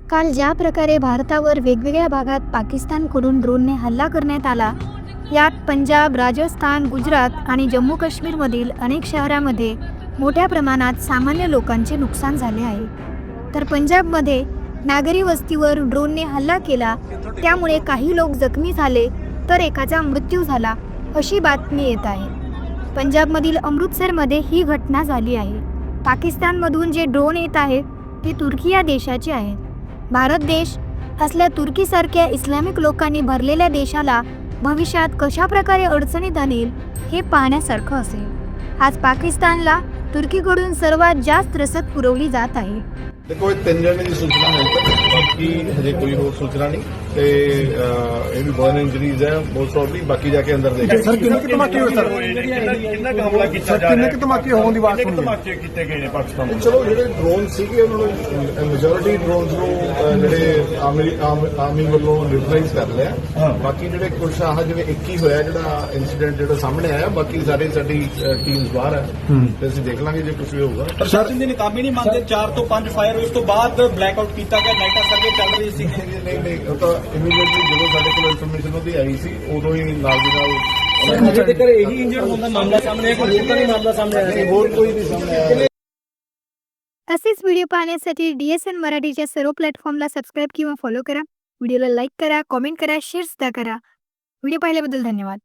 काल ज्या प्रकारे भारतावर वेगवेगळ्या भागात पाकिस्तानकडून ड्रोनने हल्ला करण्यात आला, यात पंजाब, राजस्थान, गुजरात आणि जम्मू काश्मीरमधील अनेक शहरांमध्ये मोठ्या प्रमाणात सामान्य लोकांचे नुकसान झाले आहे. तर पंजाबमध्ये नागरी वस्तीवर ड्रोनने हल्ला केला, त्यामुळे काही लोक जखमी झाले तर एकाचा मृत्यू झाला, अशी बातमी येत आहे. पंजाबमधील अमृतसरमध्ये ही घटना झाली आहे. पाकिस्तानमधून जे ड्रोन येत आहेत ते तुर्की या देशाचे आहेत. भारत देश असल्या तुर्कीसारख्या इस्लामिक लोकांनी भरलेल्या देशाला भविष्यात कशा प्रकारे अडचणीत आणेल हे पाहण्यासारखं असेल. आज पाकिस्तानला तुर्कीकडून सर्वात जास्त रसद पुरवली जात आहे. देखो ये 3 जने की सूचना है, बाकी हजे कोई और सूचना नहीं ते ये भी बर्न इंजरीज है मोस्ट प्रॉब्ली, बाकी जाके अंदर देखेंगे। सर किन्ने के धमाके होए सर कितना हमला किया सर किन्ने के धमाके होने ਦੀ ਬਾਤ ਸੁਣੀ धमाके किए गए ने पाकिस्तान में। चलो ਜਿਹੜੇ ड्रोन ਸੀਗੇ ਉਹਨਾਂ ਨੂੰ ਮੈਜੋਰਿਟੀ ਡਰੋਨਸ ਨੂੰ ਜਿਹੜੇ ਆਰਮੀ ਵੱਲੋਂ ਨਿਊਟਰਲਾਈਜ਼ ਕਰ ਲਿਆ। ਬਾਕੀ ਜਿਹੜੇ ਕੁਝ ਆਹ ਜਿਵੇਂ 21 ਹੋਇਆ ਜਿਹੜਾ ਇਨਸੀਡੈਂਟ ਜਿਹੜਾ ਸਾਹਮਣੇ ਆਇਆ, ਬਾਕੀ ਸਾਡੀ ਟੀਮਸ ਬਾਹਰ ਹੈ ਤੇ ਅਸੀਂ ਦੇਖ ਲਾਂਗੇ ਜੇ ਕੁਝ ਵੀ ਹੋਊਗਾ। ਪ੍ਰਸ਼ਾਸਨ ਦੀ ਨਾਕਾਮੀ ਨਹੀਂ ਮੰਨਦੇ, 4 ਤੋਂ 5 ਫਾਇਰ ਉਸ ਤੋਂ ਬਾਅਦ ਬਲੈਕਆਊਟ ਕੀਤਾ ਗਿਆ, ਲਾਈਟਾਂ ਸਰਵੇ ਚੱਲ ਰਹੀ ਸੀ। ਨਹੀਂ ਉਹ ਤਾਂ ਇਮੀਡੀਏਟਲੀ ਜਦੋਂ ਸਾਡੇ ਕੋਲ ਇਨਫੋਰਮੇਸ਼ਨ ਉਹਦੀ ਆਈ ਸੀ ਉਦੋਂ ਹੀ ਨਾਲ ਦੀ ਨਾਲ ਅਜੇ ਤੱਕ ਇਹੀ ਇੰਜਰਡ ਹੋਣ ਦਾ ਮਾਮਲਾ ਸਾਹਮਣੇ ਆਇਆ, ਕੋਈ ਹੋਰ ਤਾਂ ਨਹੀਂ ਮਾਮਲਾ ਸਾਹਮਣੇ ਆਇਆ, ਹੋਰ ਕੋਈ ਨਹੀਂ सामने आया। असेच व्हिडिओ पाहण्यासाठी DSN मराठीच्या सर्व प्लॅटफॉर्मला सबस्क्राईब किंवा फॉलो करा. व्हिडिओला लाईक करा, कॉमेंट करा, शेअर सुद्धा करा. व्हिडिओ पाहिल्याबद्दल धन्यवाद.